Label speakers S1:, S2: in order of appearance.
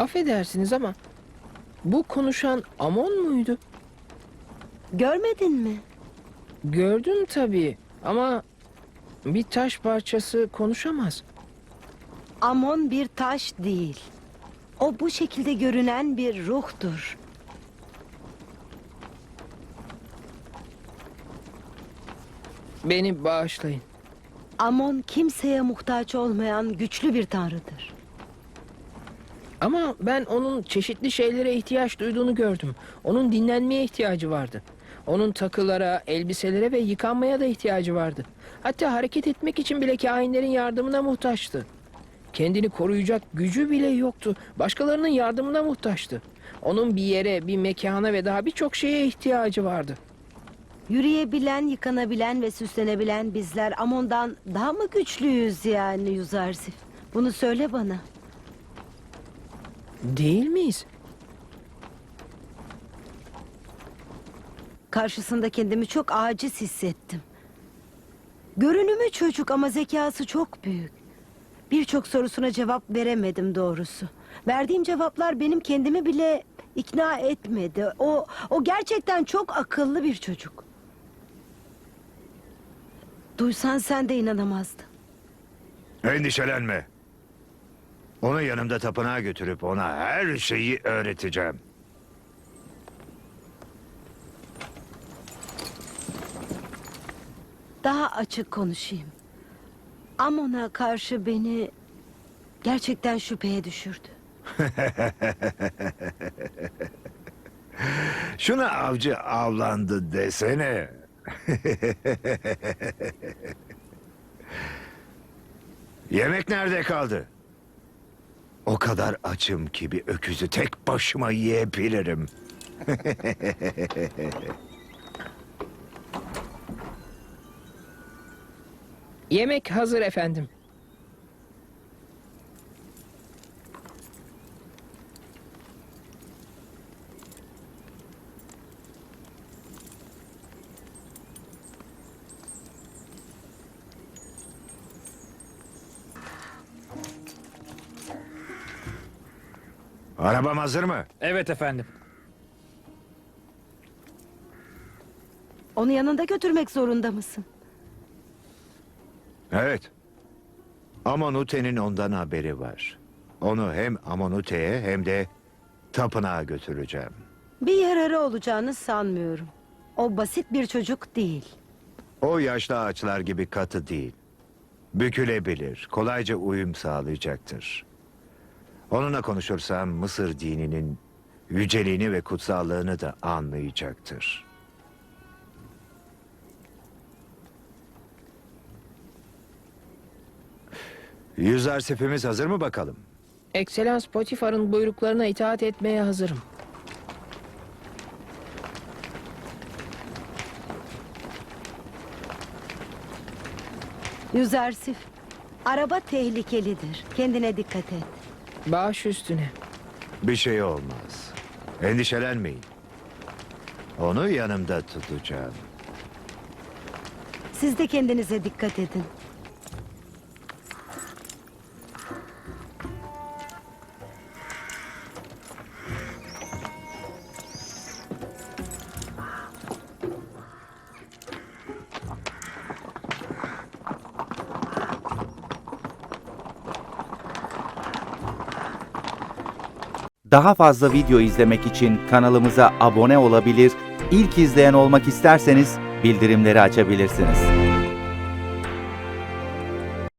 S1: Affedersiniz ama bu konuşan Amon muydu?
S2: Görmedin mi?
S1: Gördüm tabii ama bir taş parçası konuşamaz.
S2: Amon bir taş değil. O bu şekilde görünen bir ruhtur.
S1: Beni bağışlayın.
S2: Amon kimseye muhtaç olmayan güçlü bir tanrıdır.
S1: Ama ben onun çeşitli şeylere ihtiyaç duyduğunu gördüm. Onun dinlenmeye ihtiyacı vardı. Onun takılara, elbiselere ve yıkanmaya da ihtiyacı vardı. Hatta hareket etmek için bile kahinlerin yardımına muhtaçtı. Kendini koruyacak gücü bile yoktu. Başkalarının yardımına muhtaçtı. Onun bir yere, bir mekana ve daha birçok şeye ihtiyacı vardı.
S2: Yürüyebilen, yıkanabilen ve süslenebilen bizler Amon'dan daha mı güçlüyüz yani Yüzarsif? Bunu söyle bana.
S1: Değil miyiz?
S2: Karşısında kendimi çok aciz hissettim. Görünümü çocuk ama zekası çok büyük. Birçok sorusuna cevap veremedim doğrusu. Verdiğim cevaplar benim kendimi bile ikna etmedi. O gerçekten çok akıllı bir çocuk. Duysan sen de inanamazdın.
S3: Endişelenme. Onu yanımda tapınağa götürüp ona her şeyi öğreteceğim.
S2: Daha açık konuşayım. Amon'a karşı beni gerçekten şüpheye düşürdü.
S3: Şuna avcı avlandı desene. Yemek nerede kaldı? O kadar açım ki bir öküzü tek başıma yiyebilirim.
S1: Yemek hazır efendim.
S3: Arabam hazır mı?
S4: Evet efendim.
S2: Onu yanında götürmek zorunda mısın?
S3: Evet. Amonute'nin ondan haberi var. Onu hem Amonute'ye hem de tapınağa götüreceğim.
S2: Bir yararı olacağını sanmıyorum. O basit bir çocuk değil.
S3: O yaşlı ağaçlar gibi katı değil. Bükülebilir, kolayca uyum sağlayacaktır. Onunla konuşursam Mısır dininin yüceliğini ve kutsallığını da anlayacaktır. Yüzarsifimiz hazır mı bakalım?
S1: Ekselans Potifar'ın buyruklarına itaat etmeye hazırım.
S2: Yüzarsif, araba tehlikelidir. Kendine dikkat et.
S1: Baş üstüne.
S3: Bir şey olmaz. Endişelenmeyin. Onu yanımda tutacağım.
S2: Siz de kendinize dikkat edin.
S5: Daha fazla video izlemek için kanalımıza abone olabilir, ilk izleyen olmak isterseniz bildirimleri açabilirsiniz.